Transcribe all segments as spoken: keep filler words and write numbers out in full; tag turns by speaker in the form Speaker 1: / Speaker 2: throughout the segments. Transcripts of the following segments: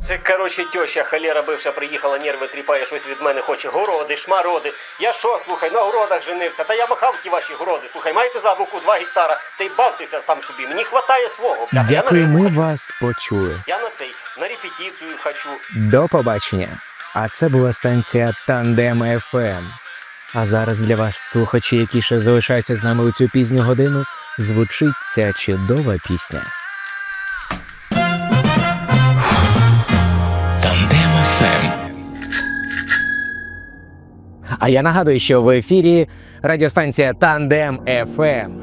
Speaker 1: Це, коротше, тьоща холера бивша приїхала, нерви тріпає, щось від мене хоче. Городи, шмароди. Я що, слухай, на городах женився. Та я махав ті ваші городи. Слухай, маєте за боку два гектара, та й бавтеся там собі. Мені хватає свого. Бля,
Speaker 2: Дякую,
Speaker 1: я на
Speaker 2: ми
Speaker 1: рибу хочу.
Speaker 2: вас почули.
Speaker 1: Я на цей, на репетицію хочу.
Speaker 2: До побачення. А це була станція Тандем еф ем. А зараз для вас, слухачі, які ще залишаються з нами у цю пізню годину, звучить ця чудова пісня. Тандем еф ем. А я нагадую, що в ефірі радіостанція Тандем еф ем.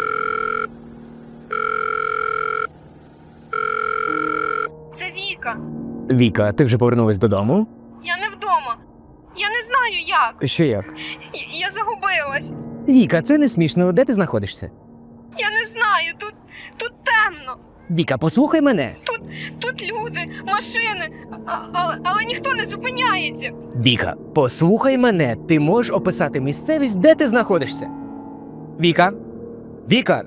Speaker 3: Це Віка.
Speaker 2: Віка, ти вже повернулась додому?
Speaker 3: Я не вдома. Я не знаю як.
Speaker 2: Що як?
Speaker 3: Я, я загубилась.
Speaker 2: Віка, це не смішно. Де ти знаходишся?
Speaker 3: Я не знаю. Тут, тут темно.
Speaker 2: Віка, послухай мене.
Speaker 3: Тут, тут люди, машини, а, але, але ніхто не зупиняється.
Speaker 2: Віка, послухай мене. Ти можеш описати місцевість, де ти знаходишся? Віка? Віка?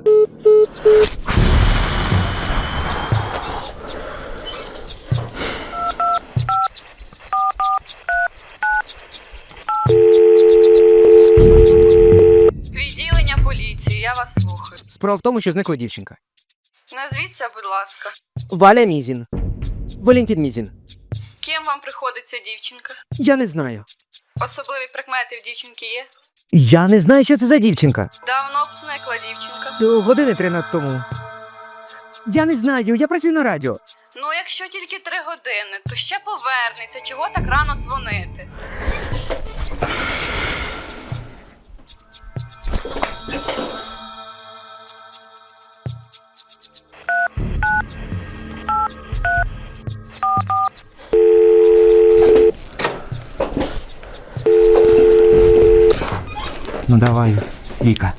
Speaker 4: Відділення поліції, я вас слухаю.
Speaker 2: Справа в тому, що зникла дівчинка.
Speaker 4: Назвіться, будь ласка.
Speaker 2: Валя Мізін. Валентин Мізін.
Speaker 4: Ким вам приходиться дівчинка?
Speaker 2: Я не знаю.
Speaker 4: Особливі прикмети в дівчинки є?
Speaker 2: Я не знаю, що це за дівчинка.
Speaker 4: Давно б зникла дівчинка.
Speaker 2: До години три над тому. Я не знаю, я працюю на радіо.
Speaker 4: Ну, якщо тільки три години, то ще повернеться. Чого так рано дзвонити?
Speaker 2: Ну давай, Віка.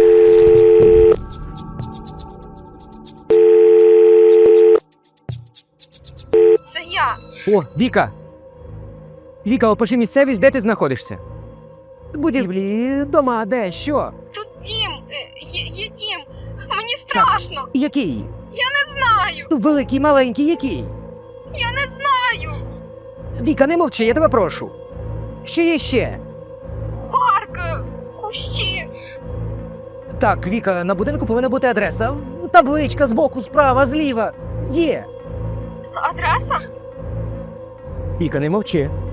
Speaker 3: Це я.
Speaker 2: О, Віка! Віка, опиши місцевість, де ти знаходишся. Будівлі, дома, де, що?
Speaker 3: Тут дім. е, Є, є дім. Мені страшно.
Speaker 2: Який?
Speaker 3: Я не знаю.
Speaker 2: Великий, маленький, який?
Speaker 3: Я не знаю.
Speaker 2: Віка, не мовчи, я тебе прошу. Що є ще?
Speaker 3: Парк, е, кущі.
Speaker 2: Так, Віка, на будинку повинна бути адреса. Табличка збоку, справа, зліва. Є.
Speaker 3: Адреса?
Speaker 2: Віка, не мовчи.